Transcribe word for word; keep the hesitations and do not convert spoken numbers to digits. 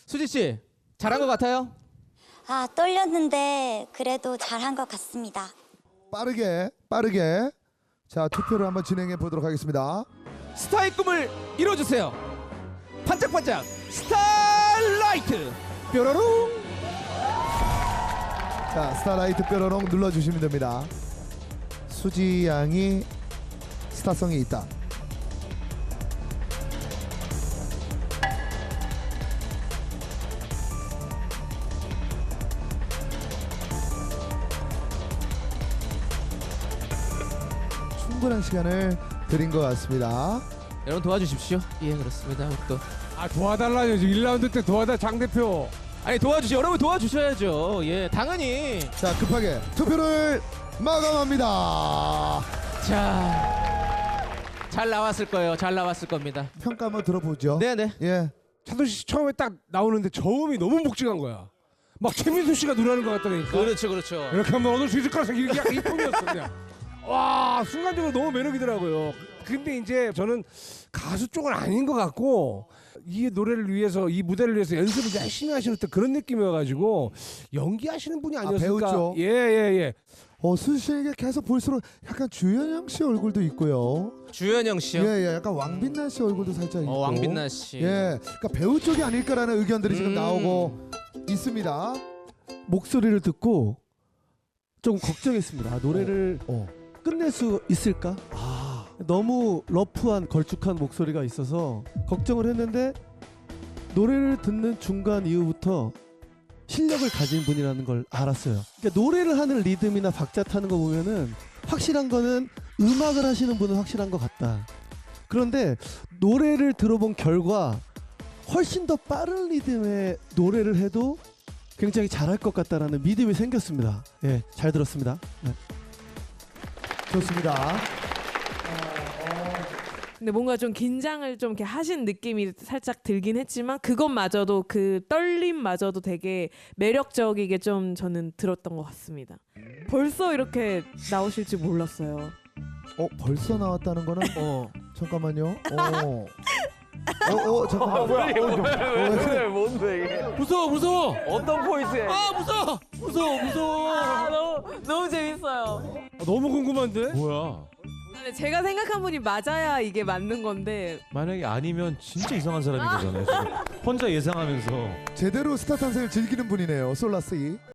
수지 씨 잘한 것 같아요? 아, 떨렸는데 그래도 잘한 것 같습니다. 빠르게 빠르게 자 투표를 한번 진행해 보도록 하겠습니다. 스타의 꿈을 이뤄주세요. 반짝반짝 스타라이트 뾰로롱. 자 스타라이트 뾰로롱 눌러주시면 됩니다. 수지 양이 스타성이 있다. 충분한 시간을 드린 것 같습니다. 여러분 도와주십시오. 예 그렇습니다. 또 아 도와달라요. 지금 일 라운드 때 도와달 장 대표. 아니 도와주시 여러분 도와주셔야죠. 예 당연히. 자 급하게 투표를 마감합니다. 자, 잘 나왔을 거예요. 잘 나왔을 겁니다. 평가 한번 들어보죠. 네네. 예. 차도 씨 처음에 딱 나오는데 저음이 너무 묵직한 거야. 막 최민수 씨가 노래하는 것 같다니까. 그렇죠, 그렇죠. 이렇게 하면 얻을 수 있을 거라 생각이 약간 이 톤이었어 그냥. 와 순간적으로 너무 매력이더라고요. 근데 이제 저는 가수 쪽은 아닌 것 같고 이 노래를 위해서 이 무대를 위해서 연습을 열심히 하시는 듯 그런 느낌이어가지고 연기하시는 분이 아니었을까. 배우죠. 예예 예. 어 수지 씨에게 계속 볼수록 약간 주현영 씨 얼굴도 있고요. 주현영 씨요. 예, 예, 약간 왕빛나 씨 얼굴도 살짝 있고. 어, 왕빛나 씨. 예, 그러니까 배우 쪽이 아닐까라는 의견들이 지금 음. 나오고 있습니다. 목소리를 듣고 좀 걱정했습니다. 아, 노래를 어. 끝낼 수 있을까? 아, 너무 러프한 걸쭉한 목소리가 있어서 걱정을 했는데 노래를 듣는 중간 이후부터 실력을 가진 분이라는 걸 알았어요. 그러니까 노래를 하는 리듬이나 박자 타는 거 보면은 확실한 거는 음악을 하시는 분은 확실한 것 같다. 그런데 노래를 들어본 결과 훨씬 더 빠른 리듬의 노래를 해도 굉장히 잘할 것 같다라는 믿음이 생겼습니다. 예, 잘 들었습니다. 네. 좋습니다. 근데 뭔가 좀 긴장을 좀 이렇게 하신 느낌이 살짝 들긴 했지만 그것마저도 그 떨림마저도 되게 매력적이게 좀 저는 들었던 것 같습니다. 벌써 이렇게 나오실 줄 몰랐어요. 어, 벌써 나왔다는 거는 어. 잠깐만요. 어. 어, 어, 잠깐만. 왜 뭔데 이게? 무서워, 무서워. 어떤 포인트에? 아 무서워, 무서워, 무서워. 아, 너무 너무 재밌어요. 아, 너무 궁금한데. 뭐야? 근데 제가 생각한 분이 맞아야 이게 맞는 건데 만약에 아니면 진짜 이상한 사람인 거잖아요. 지금. 혼자 예상하면서. 제대로 스타 탄생을 즐기는 분이네요. 솔라스 이.